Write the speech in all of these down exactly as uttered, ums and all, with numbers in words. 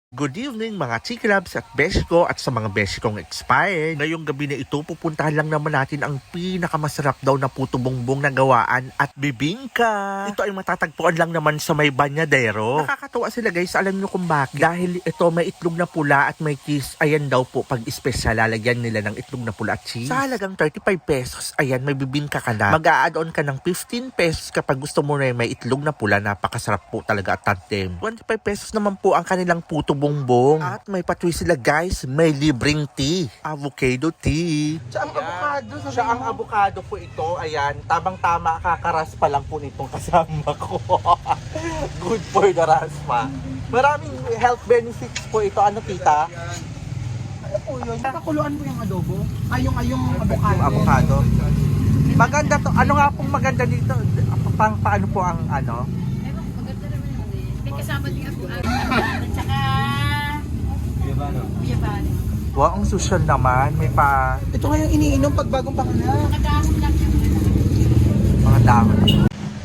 Good evening mga Chikrabs at Beshko at sa mga Beshkong expired. Ngayong gabi na ito, pupuntahan lang naman natin ang pinakamasarap daw na puto bongbong na gawaan at bibingka. Ito ay matatagpuan lang naman sa may Banyadero. Nakakatuwa sila guys, alam nyo kung bakit? Dahil ito may itlog na pula at may cheese. Ayan daw po, pag espesyal, lalagyan nila ng itlog na pula at cheese. Sa halagang thirty-five pesos, ayan, may bibingka ka na. Mag-a-add-on ka ng fifteen pesos kapag gusto mo na may itlog na pula. Napakasarap po talaga at tandem. twenty-five pesos naman po ang kanilang puto bongbong. At may patwi sila guys, may libreng tea. Avocado tea. Siya ang avocado. Siya ang avocado po ito. Ayan, tamang-tama, kakaras pa lang po nitong kasama ko. Good for the raspa. Maraming health benefits po ito. Ano tita? Ano po yun? Pakuluan mo yung adobo? Ay, yung, ay, yung avocado. Yung avocado. Maganda to. Ano nga pong maganda dito? Pang paano po ang ano? Ewan, maganda naman yun eh. May kasama din ako at saka biyabano. Wow, ang social naman. May pa Ito nga yung iniinom pag bagong panganak. Mga dahon lang yung ano. mga dahon. Ano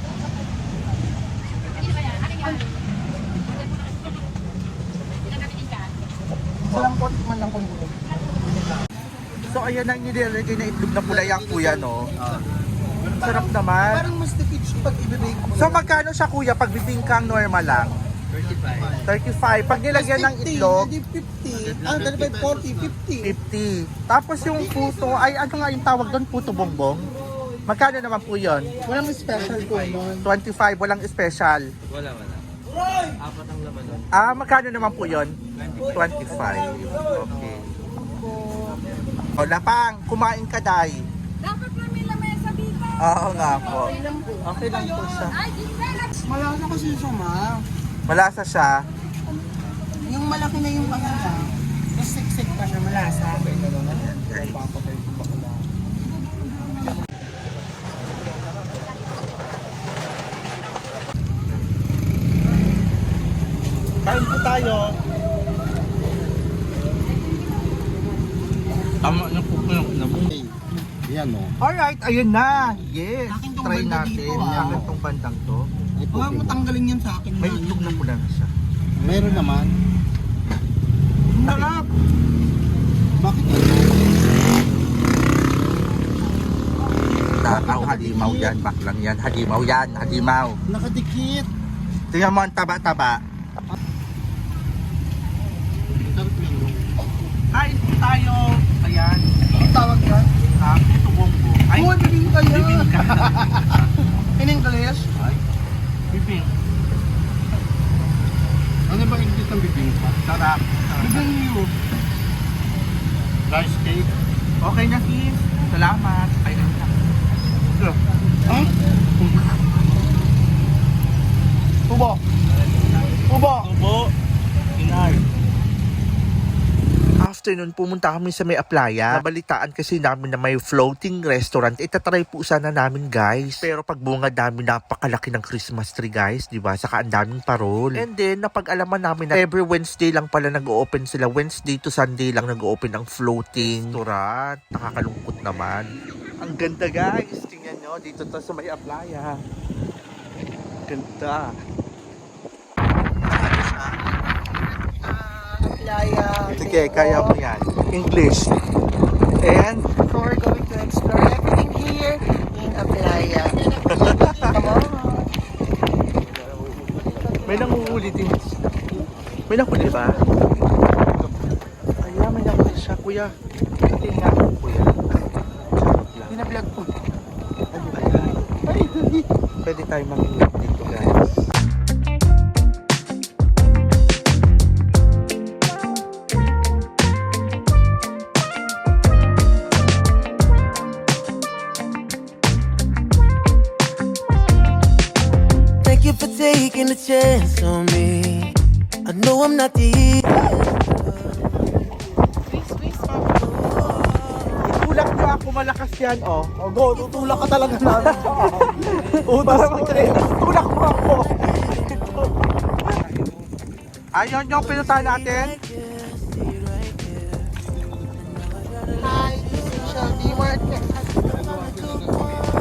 ba yan? Ano yan? Pinagamitin ka? Salang pot man lang kung gulo. So ayan ang nilalagay na itlog na pula yung kuya, no? Sarap naman. Parang mas tipid siya pag ibibake mo. So magkano siya kuya pag bibingkang normal lang? thirty-five. thirty-five. Pag nilagyan ng itlog, Hindi fifty. Ah, dali ba forty, fifty. fifty. Tapos yung puto, ay ano nga yung tawag doon? Puto bongbong? Magkano naman po yun? Walang special po nun. twenty-five, walang special. Wala, wala. Apat ang laman doon. Ah, magkano naman po yun? twenty-five. Okay. O, Lapang, kumain ka, Day. Dapat may lamesa dito. Oo nga po. Okay lang po siya. Ay, ginagawa. Malasa kasi siya, ma. Malasa siya. Yung malaki na yung panganak. Tapos siksik pa siya, malasa. Kain po tayo. Tama na po ko yung namong. Yan o. Alright, ayun na. Yes, Akin tong try banda natin. dito, ah. Akin tong bandang to. Huwag mo tanggalin yan sa akin. May itlog na pula na siya. Meron naman. Sarap. Bakit yun? Takaw, halimaw yan. Baklang yan. Halimaw yan. Halimaw. Nakadikit. Tingnan mo ang taba-taba. Sarap yan. no? Kain po tayo. Ayan. Ang tawag yan? Ah, puto bongbong. Ay, Uy, bibingka yan. bibingka. In English? Ay, bibing. Ano ba ingit ng bibingka? Sarap. Bibingyo. Rice cake. Okay na, sis. Salamat. Ay, ayun na. Ha? Tubo. Tubo. Tubo. Inay. Afternoon, pumunta kami sa may Aplaya. Nabalitaan kasi namin na may floating restaurant. Itatry po sana namin, guys. Pero pag bunga namin, napakalaki ng Christmas tree, guys. Diba? Saka ang daming parol. And then, napag-alaman namin na every Wednesday lang pala nag-open sila. Wednesday to Sunday lang nag-open ang floating restaurant. Nakakalungkot naman. Ang ganda, guys. Tingnan nyo. Dito to sa may Aplaya. Ganda. Playa. Sige, kaya mo yan. English. And, So we're going to explore everything here in Aplaya. Come on. may nanguhuli din. May nanguhuli ba? Ayan, may nanguhuli siya, kuya. Hindi nga, kuya. Binablog po. Pwede tayo manguhuli dito, guys. Thank you for taking a chance on me. I know I'm not the Tulak mo ako, malakas yan, oh. Oh, go, tutulak ka talaga namin. Para mag-training, tulak mo ako. Ayun yung pinuntahan natin. Hi, Social D Market.